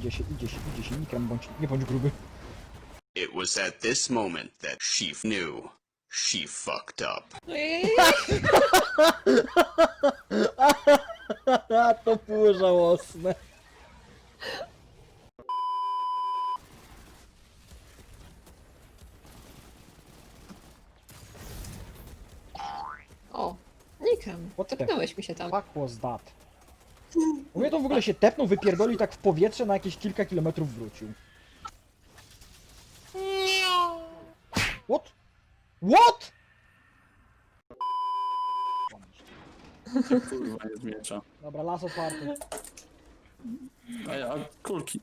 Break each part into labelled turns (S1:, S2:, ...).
S1: idzie się, nie bądź gruby.
S2: It was at this moment that she knew she fucked up.
S1: To było żałosne.
S3: O, Nikem,
S1: What the
S3: tepnąłeś mi się tam.
S1: fuck was that? U mnie to w ogóle się tepnął, wypierdolił tak w powietrze, na jakieś kilka kilometrów wrócił. What? What?
S4: Kurwa, jest miecza.
S1: Dobra, las otwarty.
S4: A kulki.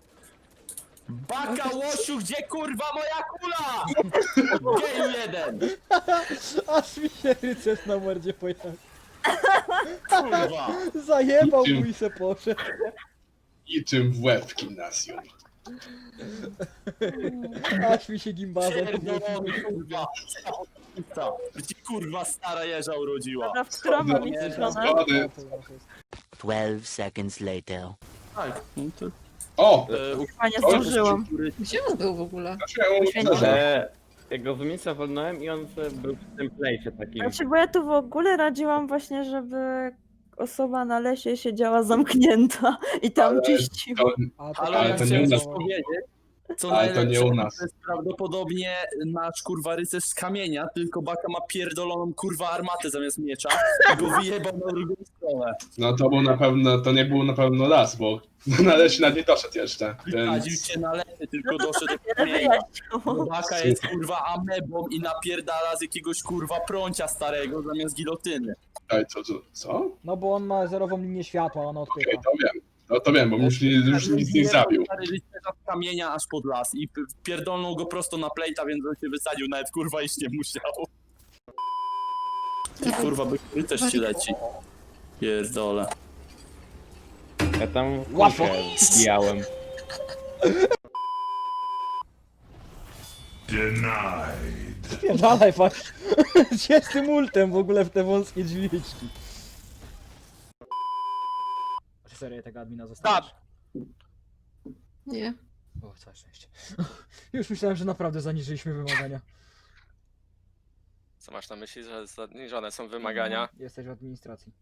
S4: Baka łosiu, gdzie kurwa moja kula? Geju jeden!
S1: Aż mi się rycerz na mordzie pojechał.
S4: Kurwa!
S1: Zajebał mu i se poszedł.
S5: Niczym w łeb w gimnazjum.
S1: Aż mi się gimbazem
S4: Pierdolony kurwa! Gdzie kurwa stara jeża urodziła?
S6: Dobra, w którą mam
S4: Nie,
S6: iść stronę?
S5: Zgody.
S7: 12 seconds later.
S4: Tak, no to...
S5: O!
S6: Chyba nie zdążyłam.
S3: Gdzie on był w ogóle?
S8: Jego z miejsca wolnąłem i on był w tym plejsie takim.
S6: Znaczy, bo ja tu w ogóle radziłam właśnie, żeby osoba na lesie siedziała zamknięta i tam
S5: Ale
S6: czyściła.
S5: To,
S4: Ale ja
S5: to nie
S4: chciałem
S5: u
S4: coś
S5: nas.
S4: powiedzieć. Co
S5: Ale to nie
S4: najlepsze,
S5: u nas.
S4: to jest prawdopodobnie nasz kurwa rycerz z kamienia, tylko Baka ma pierdoloną kurwa armatę zamiast miecza i go wyjebał na drugą stronę.
S5: No to był na pewno, to nie był na pewno las, bo na lesie nad nie doszedł jeszcze.
S4: Wysadził
S5: Więc
S4: cię na lesie, tylko doszedł do
S6: Wiele
S4: kamienia.
S6: wyjaśniło.
S4: Baka jest kurwa amebą i napierdala z jakiegoś kurwa prącia starego zamiast gilotyny.
S5: Czekaj, co?
S1: No bo on ma zerową linię światła, ona
S5: Okej,
S1: odpycha.
S5: to wiem. No to wiem, bo już nic nie zabił.
S4: Stary rycerza z kamienia aż pod las i pierdolnął go prosto na plejta, więc on się wysadził, nawet kurwa iść nie musiał. Ty kurwa, by rycerz ci leci. Pierdole.
S8: Ja tam
S1: Łatwo.
S8: kulkę zbijałem.
S1: Spierdalaj fakt. Gdzie z tym ultem w ogóle w te wąskie drzwiczki? Serio tego admina zostawisz?
S3: Nie.
S1: O, całe szczęście. Już myślałem, że naprawdę zaniżyliśmy wymagania.
S9: Co masz na myśli, że zaniżone są wymagania?
S1: Jesteś w administracji.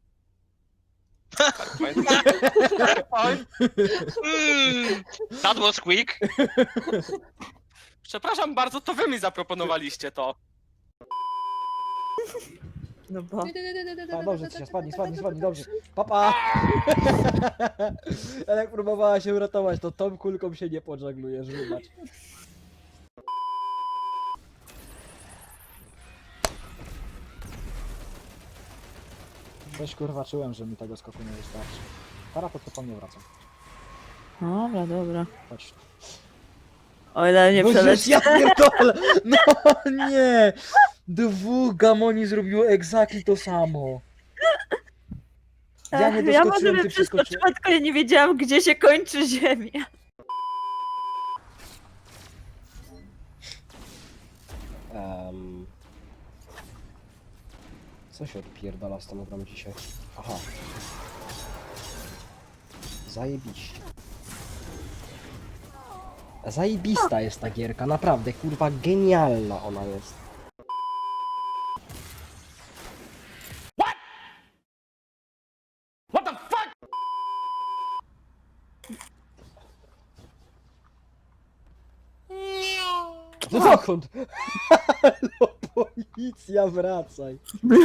S9: That was quick! Przepraszam bardzo, to wy mi zaproponowaliście to.
S6: No bo...
S1: A dobrze, Cysia, spadnij, dobrze. Papa! Ja jak próbowała się uratować, to tą kulką się nie podżaglujesz, wybacz. Coś kurwa czułem, że mi tego skoku nie wystarczy. Parapet to po mnie wracam.
S6: Dobra, dobra.
S1: Chodź.
S6: O ile nie
S1: No żeż
S6: przeleci.
S1: ja pierdolę! No nie! Dwóch gamoni zrobiło exactly to samo. Ja nie
S6: Ja
S1: doskoczyłem,
S6: może
S1: ty
S6: przeskoczyłam,
S1: przeskoczyłeś.
S6: tylko ja nie wiedziałam, gdzie się kończy ziemia.
S1: Co się odpierdala z tą grą dzisiaj? Aha. Zajebiście. Zajebista jest ta gierka, naprawdę, kurwa, genialna ona jest. No dokąd? Halo, policja, wracaj.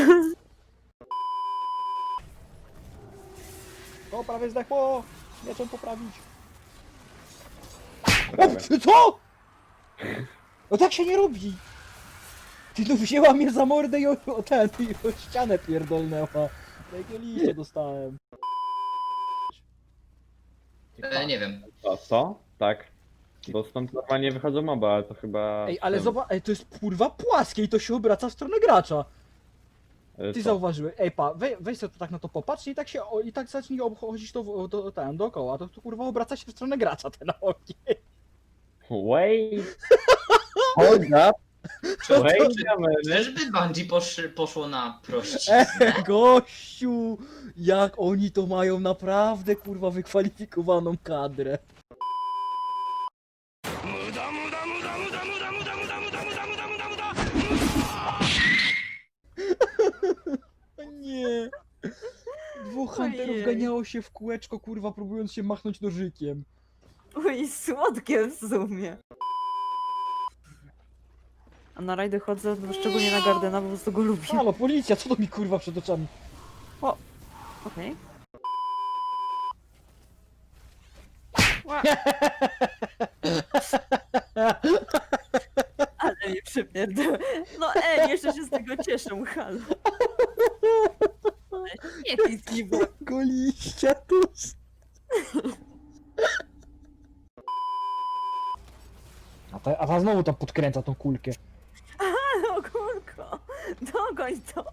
S1: O, prawie zdechło! Mieczem poprawić. O, co? No tak się nie robi! Ty no wzięła mnie za mordę i o ścianę pierdolnęła. Jakie liście dostałem.
S10: Nie wiem.
S8: Co? Tak. Bo stąd normalnie wychodzą moba, ale to chyba...
S1: Ej, ale zobacz, ej, to jest kurwa płaskie i to się obraca w stronę gracza. Ty
S8: Co?
S1: zauważyłeś, ej pa, weź sobie to tak na to popatrz i tak się, i tak zacznij obchodzić to dookoła, to kurwa obraca się w stronę gracza ten ogień.
S8: Wait! Hold up! Wait a minute!
S10: Czyżby Bungie poszło na prościznę?
S1: Gościu, jak oni to mają naprawdę kurwa wykwalifikowaną kadrę. O nie! Dwóch hunterów
S6: Ojej.
S1: ganiało się w kółeczko, kurwa, próbując się machnąć nożykiem.
S6: Oj, słodkie w sumie. A na rajdy chodzę, no, szczególnie na Gardena, bo po prostu go lubię.
S1: Halo, policja, co to mi kurwa przed oczami?
S6: Okej. Ale mnie przypierdolę. No jeszcze się z tego cieszę, halo. Nie pizgi, bo...
S1: Goliścia tuż. A ta znowu tam podkręca tą kulkę.
S6: Halo, kurko! Dogoń to!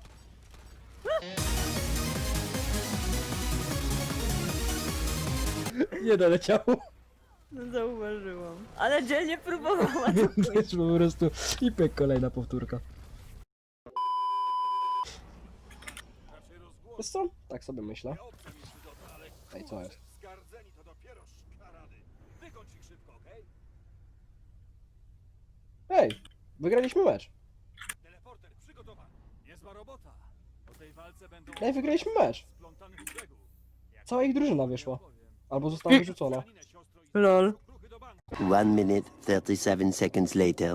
S1: Nie doleciało.
S6: No, zauważyłam. Ale dzielnie próbowała to
S1: Też po prostu i pyk, kolejna powtórka. Wiesz co? Tak sobie myślę. Ej, co jest? Ej, wygraliśmy mecz. Ej, wygraliśmy mecz. Cała ich drużyna wyszła. Albo została wyrzucona.
S6: Lol.
S7: 1 minute 37 seconds later.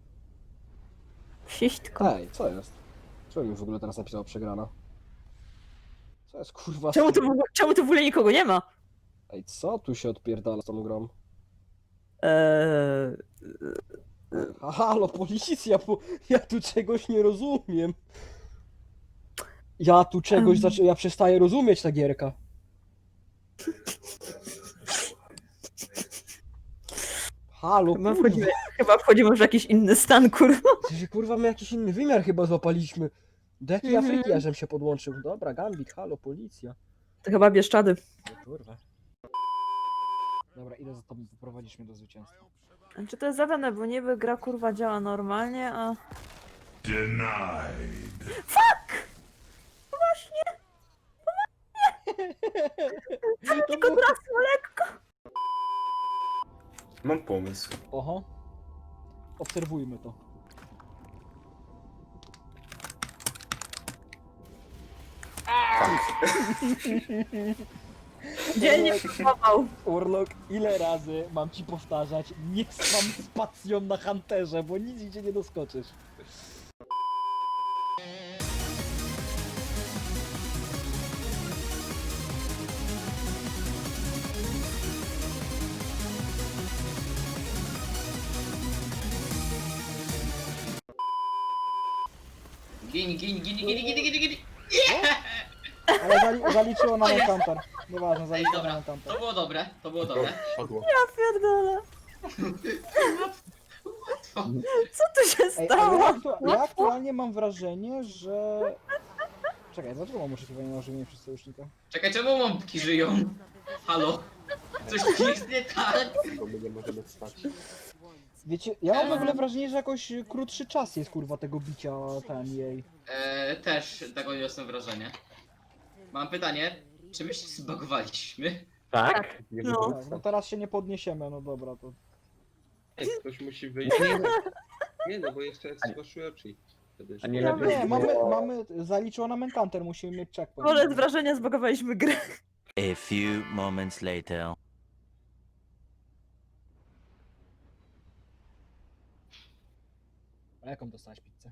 S6: Siśtko.
S1: Ej, co jest? Czemu mi w ogóle teraz napisało przegrana? Co jest kurwa?
S6: Czemu tu w ogóle nikogo nie ma?
S1: Ej, co tu się odpierdala z tą grą? A halo, policja, bo ja tu czegoś nie rozumiem. Ja tu czegoś ja przestaję rozumieć ta gierka. Halo,
S6: Chyba wchodzimy w jakiś inny stan, kurwa.
S1: kurwa, my jakiś inny wymiar chyba złapaliśmy. Do jakiej Afryki ja żem się podłączył? Dobra, Gambik, halo, policja.
S6: To chyba Bieszczady.
S1: O kurwa. Dobra, idę za tobą, poprowadzisz mnie do zwycięstwa.
S6: Czy to jest zadane, bo niby gra kurwa działa normalnie, a... Tylko trafło lekko.
S11: Mam pomysł.
S1: Oho. Obserwujmy to.
S6: Dzielnie próbował.
S1: Urlok, ile razy mam ci powtarzać, nie spam spacją na Hunterze, bo nic gdzie nie doskoczysz.
S10: Gin, gin, gin, gin, gin, gin, gin.
S1: Ale zaliczyło nam encounter. Nieważne,
S10: Ej,
S1: zaliczyło nam
S10: dobra,
S1: encounter.
S10: to było dobre, to było dobre.
S11: Padło.
S6: Ja pierdolę. Co tu się
S1: Ej, ale
S6: stało?
S1: ja aktualnie mam wrażenie, że... Czekaj, dlaczego mam oczekiwanie na ożywienie przez sojusznika?
S10: Czekaj, czemu mąbki żyją? Halo? Coś tu jest nie tak?
S11: Bo my nie możemy spać.
S1: Wiecie, ja mam w ogóle wrażenie, że jakoś krótszy czas jest kurwa tego bicia ten jej.
S10: Też tego jestem wrażenie. Mam pytanie, czy my się zbagowaliśmy?
S8: Tak?
S11: Nie
S6: No.
S11: możemy
S1: Tak, no
S11: spać.
S1: teraz się nie podniesiemy, no dobra, to...
S11: Ej, ktoś musi wyjść. Nie no, bo jeszcze zgłaszyłem oczy. Wtedy
S8: A nie
S6: Ja
S8: lepiej
S1: Nie,
S8: było-
S1: mamy, zaliczyło nam encounter, musimy mieć checkpoint.
S6: Wolę z wrażenia zbagowaliśmy grę.
S7: A few moments later.
S1: A jaką dostałeś pizzę?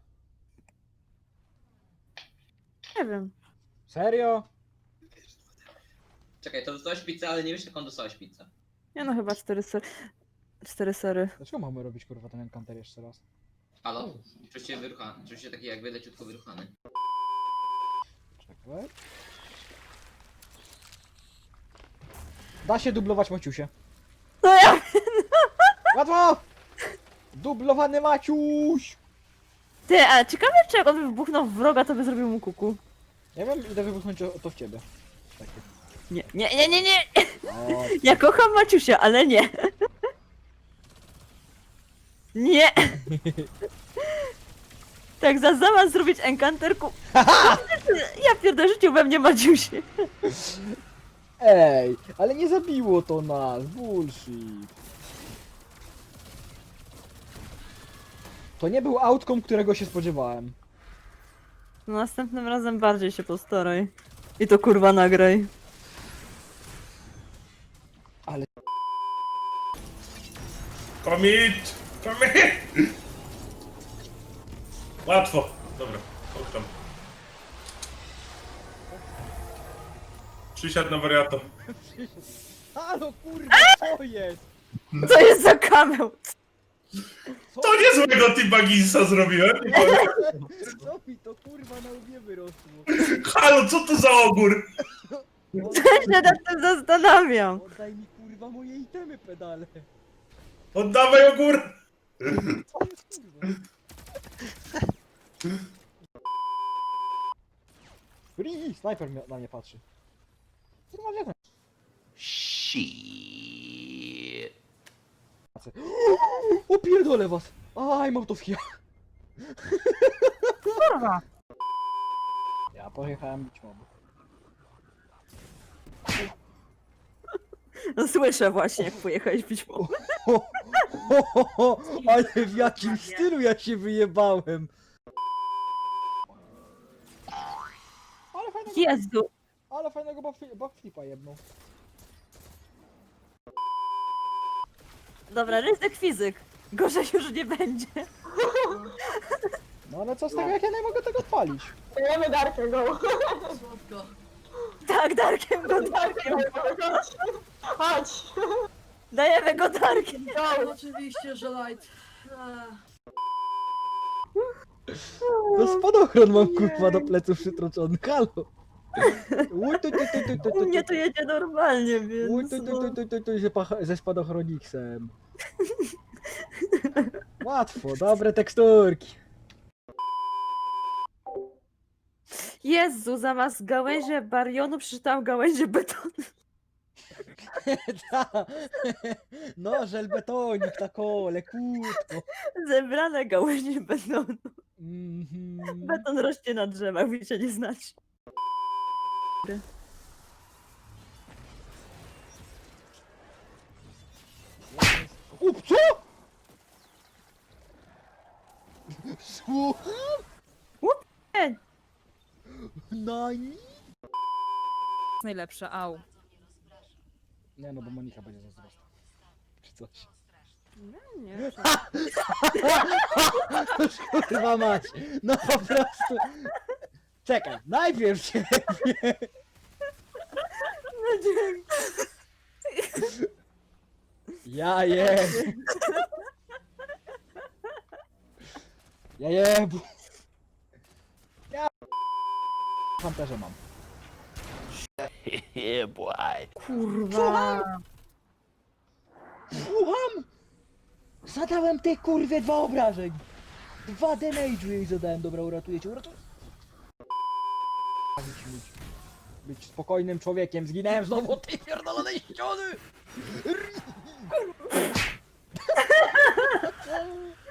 S6: Nie wiem.
S1: Serio?
S10: Czekaj, to dostałeś pizzę, ale nie wiesz jaką dostałeś pizzę.
S6: Nie no, chyba 4 sery. 4 sery.
S1: Dlaczego mamy robić kurwa ten encounter jeszcze raz?
S10: Halo? Czuć się wyruchany, czuć się taki jakby leciutko wyruchany.
S1: Czekaj. Da się dublować Maciusie.
S6: No ja...
S1: Łatwo! Dublowany Maciuś!
S6: Ty, a ciekawe czy jak on by wybuchnął w wroga, to by zrobił mu kuku.
S1: Nie wiem, idę wybuchnąć to w ciebie. Takie.
S6: Nie, nie, nie, nie, nie!
S1: O,
S6: Ja kocham Maciusia, ale nie. Nie! Tak, zamiast zrobić encanterku... Ja pierdolę, życiu we mnie Maciusie.
S1: ej, ale nie zabiło to nas, bullshit. To nie był outcome, którego się spodziewałem.
S6: No następnym razem bardziej się postaraj. I to kurwa nagraj.
S12: Commit! Łatwo. Dobra, tam. Przysiadł na wariato.
S1: Halo kurwa, co jest?
S6: Co jest za kamel?
S12: To niezłego T-Bagginsa zrobiłem. nie powiem.
S1: Co mi to kurwa na łbie wyrosło?
S12: Halo, co to za ogór?
S6: Ja się nad tym zastanawiam.
S1: Oddaj mi kurwa moje itemy pedale.
S12: Oddawaj ogór!
S1: Co jest kurwa? Free! Snajper na mnie patrzy. Kurwa, nie wiem.
S7: Shit.
S1: O pierdolę was! Aj, mam to w ja.
S6: Kurwa.
S1: Ja pojechałem bić mobu.
S6: No słyszę właśnie, jak pojechałeś bić mob.
S1: Ale w jakim stylu ja się wyjebałem!
S6: Jezu.
S1: Ale fajnego backflipa jedną.
S6: Dobra, ryzyk fizyk. Gorzej już nie będzie.
S1: No ale co z tego, jak ja nie mogę tego odpalić?
S6: Dajemy Darkiem go. Tak, Darkiem go, Darkiem go. Chodź. Dajemy go Darkiem.
S3: Oczywiście, że light.
S1: No spadochron mam kurwa do pleców przytroczony, halo! Uj,
S6: U mnie to jedzie normalnie, więc...
S1: ze spadochroniksem. Łatwo, dobre teksturki.
S6: Jezu, zamiast gałęzie barionu przeczytałam gałęzie betonu.
S1: No, żelbetonik, tako, lekutko.
S6: Zebrane gałęzie betonu.
S1: Mhm.
S6: Beton rośnie na drzewach, wy się nie znacie.
S1: Co? Słucham?
S6: Nie.
S1: Nani?
S6: Najlepsze, au.
S1: Nie no, bo Monika będzie zazdrosna. Czy coś.
S6: Nie,
S1: Kurwa mać. No po prostu. Czekaj, najpierw ciebie.
S6: no dzięki.
S1: Ja jem. Ja jebu. Ja fantaże mam.
S7: Yeah, boy.
S6: Kurwa.
S1: Słucham? Zadałem tej kurwie 2 obrażeń. 2 damage'u jej zadałem. Dobra, uratuję cię, uratuję. Być spokojnym człowiekiem. Zginąłem znowu od tej pierdolonej ściany.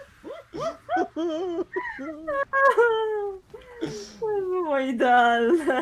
S6: To było idealne.